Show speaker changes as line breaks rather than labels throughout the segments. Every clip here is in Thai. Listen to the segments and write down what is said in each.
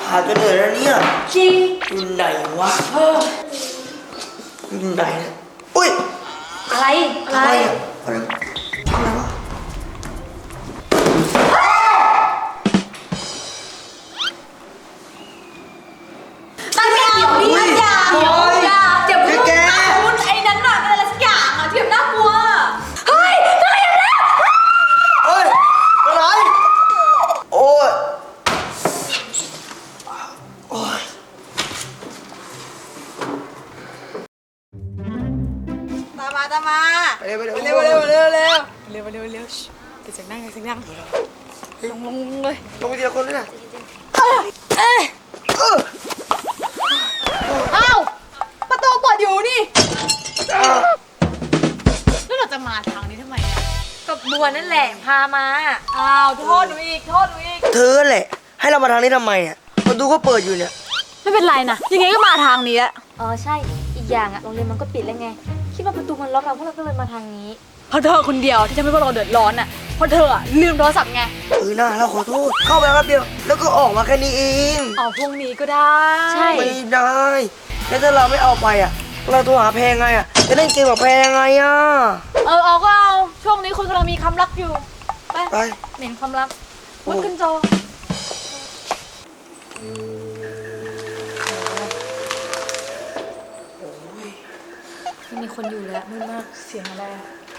หาจนเหนื่อยแล้วเนี่ย
จริง
อยู่ไหนวะอยู่ไหนเนี่ยอุ้ย
อะไร
อ่ะอะไรวะ
ตั้งไม่เกี่ยวนี่อย่าเจ็บมือคุณไอ้นั้นน่ะอะไรสักอย่างอ่ะที่แบบน่ากลัวเฮ้ยอะไรอย่างนี้
เฮ้ยอะไรโอ้ย
ตามมา
เร็วเ
เสียงนั่งลงเลย
ลงไปทีละคนเลยนะ
อ้าวประตูเปิดอยู่นี่แล้วเราจะมาทางนี้ทำไมเนี่ย
กับบัวนั่นแหละพามา
อ้าวโทษหนูอีก
เธอแหละให้เรามาทางนี้ทำไมเนี่ยประตูก็เปิดอยู่เนี่ย
ไม่เป็นไรนะยังไงก็มาทางนี้แหละ
ใช่อีกอย่างโรงเรียนมันก็ปิดแล้วไงคิดว่าประตูมันล็อกเราพวกเราก็เลยมาทางนี้
เพราะเธอคนเดียวที่ทำให้พวกเราเดือดร้อนอ่ะเพราะเธอลืมโทรศัพท์ไง
น่าเราขอโทษเข้าไปแป๊บเดียวแล้วก็ออกมาแค่นี้เอง
พรุ่งนี้ก็ได้
ใช่
ไม่ได้แล้วถ้าเราไม่เอาไปเราโทรหาแพงไงจะเล่นเกมกับแพงไง
เอาก็เอาช่วงนี้คุณกำลังมีความรักอยู่
ไป
เหม็นความรักวุ้นขึ้นจอ
ไม่มีคนอยู่แล้วมืดมาก
เสียงอะไร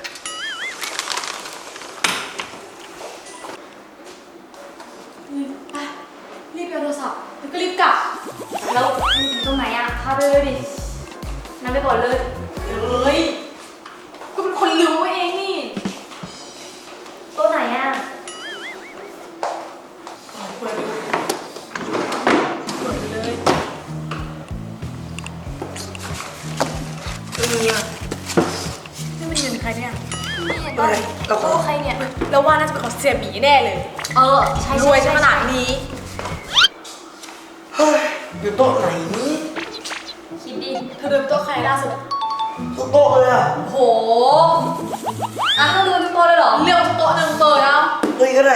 ไปรีบไปโทรศัพท์แล้วก็รีบกลับ
แล้วตรงไหนพาไปเลยดินำไปก่อนเลย
ก็เป็นคนรู้เองนี่
ตัวไหน
เปิดเลย
นี่
เป็นเงินใครเนี่ย
เราขอ
ใครเนี่ย
เราว่าน่าจะเป็นของเสียหมีแน่เลย
ใช่
รวยขนาดนี้
เฮ้ยอยู่โต๊ะไหนนี่
คิดดิ
เธอเดินโต๊ะใครล่าสุด
ทุกโต๊ะเลย
โหต้องดูทุกโต๊ะเลยเหรอเลือกทุกโต๊ะหนึ่งเปิด
เลยก็ได้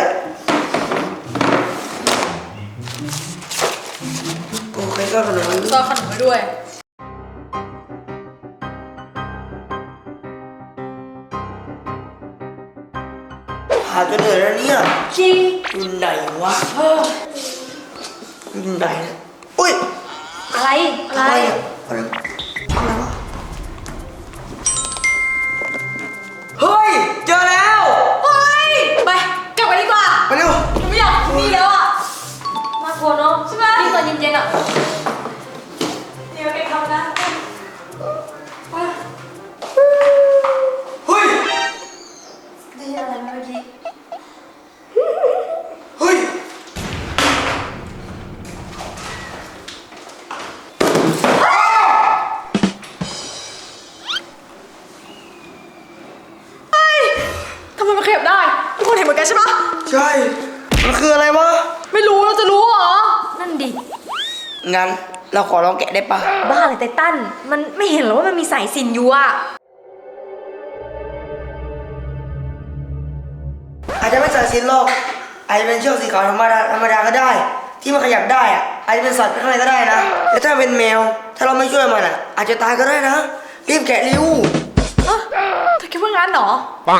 โอเคก็ขนม
ซอยขนมไปด้วย
หาจนเหนื่อยแล้วเนี่ย
จริง
อยู่ไหนวะอยู่ไหนเนี่ยอุ้ย
อะไร
วะเฮ้ยเจอแล้ว
ไปกลับไปดีกว่า
ไปเร็ว
หนูไม่อยากมีแล้ว
น่ากลัวเนาะ
ใช่ไหม
ที่ตอนเย็นๆ
เดี๋ยวแกทำนะ
เฮ้ย
ได้อะไรเมื่อกี้
เฮ้ย
ทำไมมันขยับได้ทุกคนเห็นเหมือนกันใช่ปะ
ใช่มันคืออะไรวะ
ไม่รู้เราจะรู้เหรอ
นั่นดิ
งั้นเราขอลองแกะได้ปะ
บ้าเลยไททันมันไม่เห็นหรอว่ามันมีสายสิญจน์อยู่
อาจจะไม่สายสิญจน์หรอกอาจจะเป็นเชือกสีขาวธรรมดาก็ได้ที่มันขยับได้อาจจะเป็นสัตว์ข้างในก็ได้นะแต่ถ้าเป็นแมวถ้าเราไม่ช่วยมันอาจจะตายก็ได้นะรีบแกะเร็ว
เธอคิดว่างั้นเหรอ
ปัง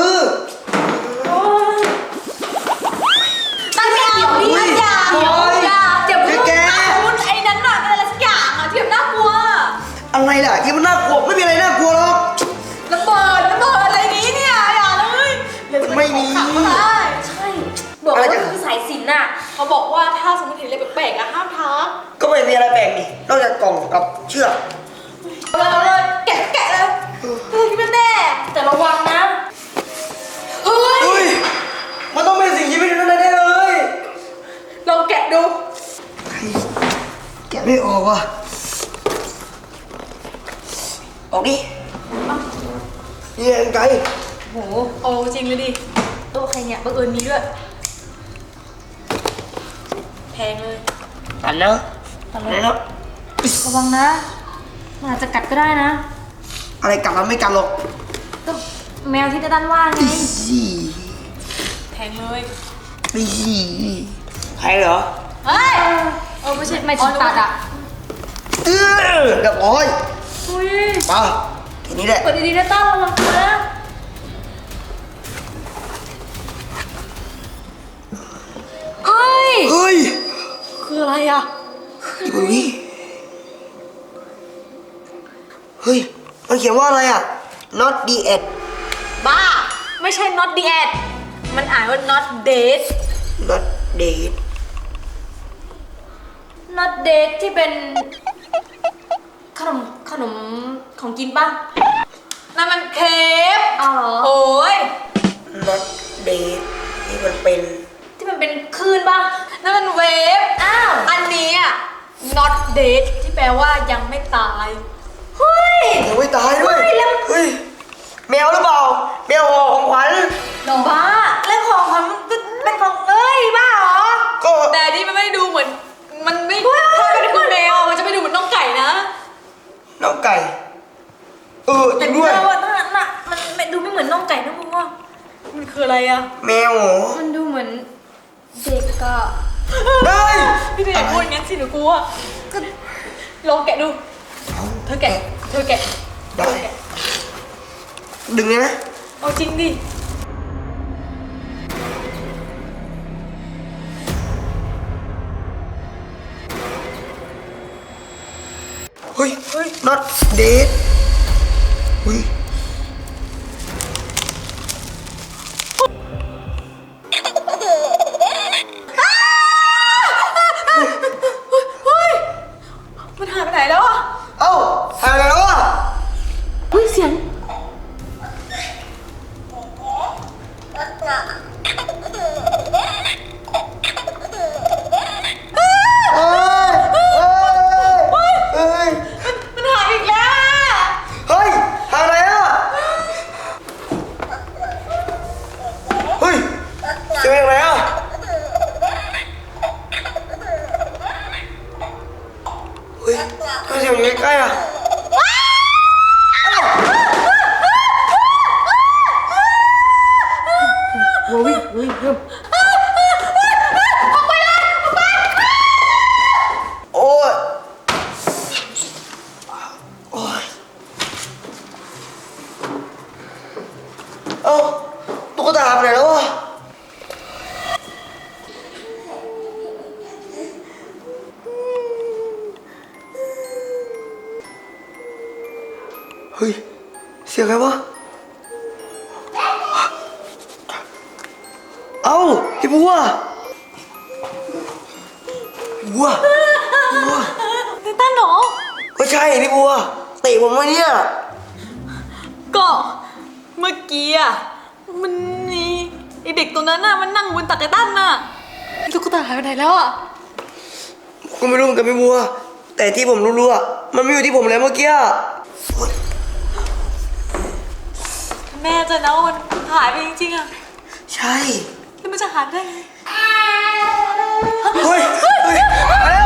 ตั้งไม่เกี่ยวนี่อย่าเจ็บมือคุณไอ้นั้นน่ะอะไรสักอย่างที่แบบน่ากลัว
อะไรล่ะที่มันน่ากลัวไม่มีอะไรน่ากลัวหรอก
ระเบิดอะไรนี้เนี่ยอย่าเลย
ไม่มี
ใช่บอกว่าคือสายสิญจน์
เขาบอกว่าถ้าสมมติเห็นอะไรแปลกๆห้ามทัก
ก็ไม่มีอะไรแปลกนี่นอกจากกล่องกับเชือก
เลยแกะเลยคิดว่าแน่
แต่ระวังนะ
เฮ้ย
มันต้องเป็นสิ่งที่ไม่ได้แน่เลย
ลองแกะดู
แกะไม่ออกว่ะออกดินี่ไงไกล
โหเอาจริงเลยดิ
โต๊ะใครเนี่ยบังเอิญมีด้วย
แพงเลย
ตันนะ
ระวังนะมันอาจจะกัดก็ได้นะ
อะไรกัดมันไม่กัดหรอก
ก็แมวที่จะด้านว่าไง
แพงเลย
ใครเหรอ
เฮ้ยไม่ใช่
ไม่ถึงตัดอ่ะ
เรียบร้อย
อุ้ย
มาทีนี้แหละ
เปิดดีๆนะต้าระวังตัวนะเฮ้ย
เฮ้ย
คืออะไรอ่ะ
ดูนี่เฮ้ยมันเขียนว่าอะไรอ่ะ not the end
บ้า ไม่ใช่ not the ad มันอ่านว่า not date
not dead
not date ที่เป็นขนมของกินป่ะนั่นมันเคฟ
อ๋อ
โอ้ย
not dead นี่มันเป็น
ที่มันเป็นคลื่นป่ะนั่นมันเวฟอ้าวอันนี้อ่ะ not date ที่แปลว่ายังไม่ตายเฮ้ย
ยังไม่ตายด้วย
เฮ้ยแล้ว
เฮ้ยแมวหรือเปล่าแมวห่อของขวัญ
บ้าเรื่องของมันก็เป็นของเอ้ยบ้าเหรอ
ก็
แต่นี่มันไม่ดูเหมือนมันไม่ถ้าเป็นคุณแมวมันจะไม่ดูเหมือนน้องไก่นะ
น้องไก่จริงด้วย
แต่ว่าน่ะมันดูไม่เหมือนน้องไก่นะมึงว่ามันคืออะไรอะ
แมวเหรอ
มันดูเหมือนเด็กอะ
เฮ้ย
พี่เนยพูดงั้นสิหนูกลัวก็ลองแกะดูเธอแกะ
ได้ดึงเลยนะ
เอาจริงดิ
เฮ้ย not dead เฮ้ย
เฮ้ยมันหายไปไหนแล้วอะ
เอ้าหายไปแล้วอ่ะ
เฮ้ยเสียง
เอ้ย
มันหายอีกแล้วอะ
เฮ้ยหายไปอ่ะเฮ้ยเสียงอะไรอ่ะเฮ้ยทำไมเสียงอยู่ใกล้ๆอ่ะโอ้ยเฮ้ยโอ้ยโอ้ยเอ้าตุ๊กตาไปไหนแล้ววะเฮ้ยเสียงใครวะเอ้าพี่บัวบัว
ไททันเหรอ
ก็ใช่พี่บัวเตะผมมาเนี่ย
ก็เมื่อกี้อะมันมีไอเด็กตัวนั้นน่ะมันนั่งบนตักไททันน่ะตุ๊กตาหายไปไหนแล้วอะ
ก็ไม่รู้เหมือนกันพี่บัว แต่ที่ผมรู้ๆอ่ะมันไม่อยู่ที่ผมแล้วเมื่อกี้อะ
แม่จะนะว่ามันหายไปจริงๆอะ
ใช่
แล้วมันจะหายไปได้ไง
เฮ้ย เฮ้ยมาแล้ว